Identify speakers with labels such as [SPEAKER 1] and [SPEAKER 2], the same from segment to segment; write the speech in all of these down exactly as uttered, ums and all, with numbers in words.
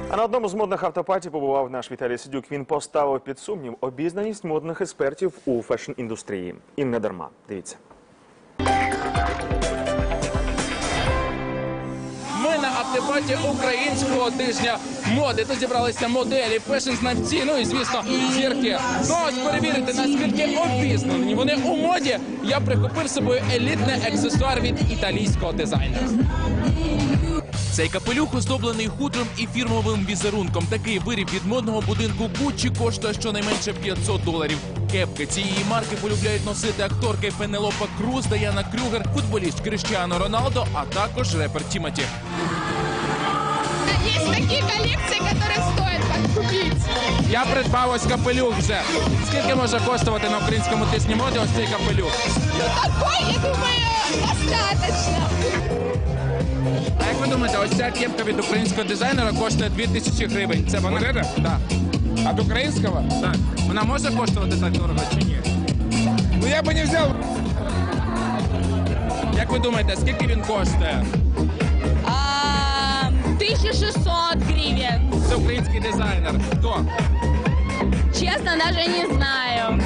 [SPEAKER 1] А на одному з модних автопаті побував наш Віталій Сидюк. Він поставив під сумнів обізнаність модних експертів у фешн-індустрії. І не дарма. Дивіться.
[SPEAKER 2] Ми на автопаті українського тижня моди. Тут зібралися моделі, фешн-знавці, ну і, звісно, зірки. Ну, ось перевірити, наскільки обізнані вони у моді, я прихопив з собою елітний аксесуар від італійського дизайнера. Цей капелюх оздоблений хутром і фірмовим візерунком. Такий виріб від модного будинку Гуччі коштує щонайменше п'ятсот доларів. Кепки цієї марки полюбляють носити акторки Пенелопа Круз, Даяна Крюгер, футболіст Кріштіану Роналдо, а також репер Тімоті.
[SPEAKER 3] Є такі колекції, які стоять купити.
[SPEAKER 2] Я придбав ось капелюх вже. Скільки може коштувати на українському тижні моди ось цей капелюх?
[SPEAKER 3] Ну такий, я думаю, достатньо.
[SPEAKER 2] А як ви думаєте, ось ця кепка від українського дизайнера коштує дві тисячі гривень. Це вона? Так. Да. Від українського? Так. Вона може коштувати так дорого чи ні?
[SPEAKER 4] Ну я би не взяв.
[SPEAKER 2] Як ви думаєте, скільки він коштує?
[SPEAKER 3] А, тисяча шістсот гривень.
[SPEAKER 2] Це український дизайнер. Хто?
[SPEAKER 3] Чесно, навіть не знаю.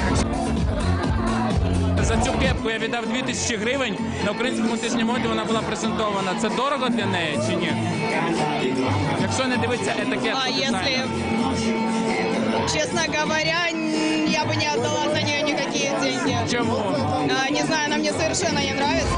[SPEAKER 2] За цю кепку я віддав дві тисячі гривень. На українському тижні моди вона була презентована. Це дорого для неї чи ні? Якщо не дивитися етикетку
[SPEAKER 5] А
[SPEAKER 2] дизайнера.
[SPEAKER 5] если, честно говоря, я бы не отдала за нее никакие деньги.
[SPEAKER 2] Чому?
[SPEAKER 5] А, не знаю, она мне совершенно не нравится.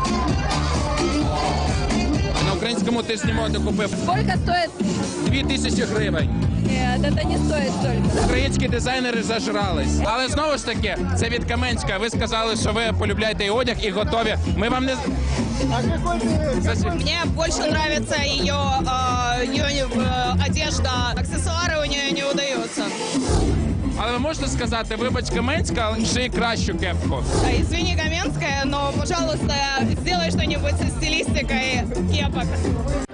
[SPEAKER 2] На українському тижні моди купив
[SPEAKER 3] Сколько стоит?
[SPEAKER 2] дві тисячі гривень.
[SPEAKER 3] Нет, это не стоит столько.
[SPEAKER 2] Українські дизайнери зажрались. Але знову ж таки, це від Каменська. Ви сказали, що ви полюбляєте і одяг, і готові. Ми вам не... Зачем?
[SPEAKER 5] Мне больше нравится ее, а, ее э, одежда, аксессуары у нее не удаются.
[SPEAKER 2] Але ви можете сказати, вибач, Каменська, ший кращу кепку.
[SPEAKER 5] А, Извини, Каменская, но, пожалуйста, сделай что-нибудь со стилистикой кепок.